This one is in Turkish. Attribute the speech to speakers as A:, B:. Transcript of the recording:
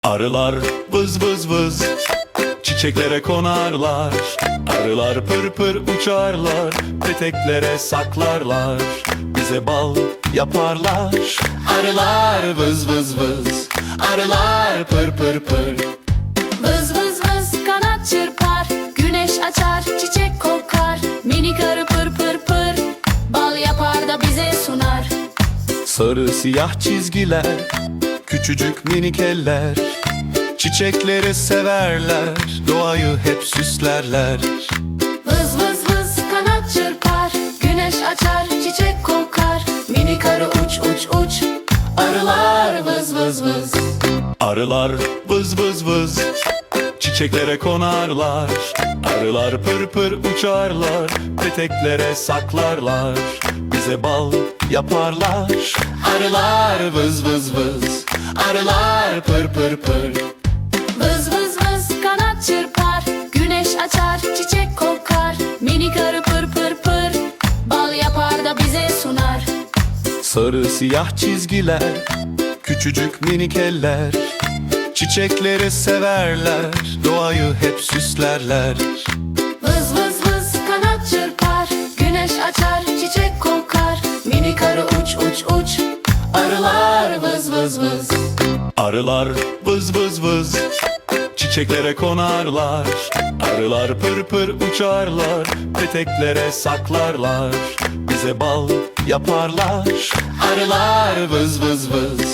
A: Arılar vız vız vız, çiçeklere konarlar. Arılar pır pır uçarlar, peteklere saklarlar. Bize bal yaparlar. Arılar vız vız vız, arılar pır pır pır.
B: Vız vız vız kanat çırpar, güneş açar, çiçek kokar. Minik arı pır pır pır, bal yapar da bize sunar.
A: Sarı siyah çizgiler, küçücük minik eller. Çiçekleri severler, doğayı hep süslerler.
B: Vız vız vız kanat çırpar, güneş açar, çiçek kokar. Minik arı uç uç uç, arılar vız vız vız.
A: Arılar vız vız vız, çiçeklere konarlar. Arılar pır pır uçarlar, peteklere saklarlar. Bize bal yaparlar. Arılar vız vız vız, arılar pır pır pır.
B: Vız vız vız kanat çırpar, güneş açar, çiçek kokar. Minik arı pır pır pır, bal yapar da bize sunar.
A: Sarı siyah çizgiler, küçücük minik eller. Çiçekleri severler, doğayı hep süslerler.
B: Vız vız vız kanat çırpar, güneş açar, çiçek kokar. Minik arı uç uç uç, arılar vız vız vız.
A: Arılar vız vız vız, çiçeklere konarlar. Arılar pır pır uçarlar, peteklere saklarlar. Bize bal yaparlar. Arılar vız vız vız.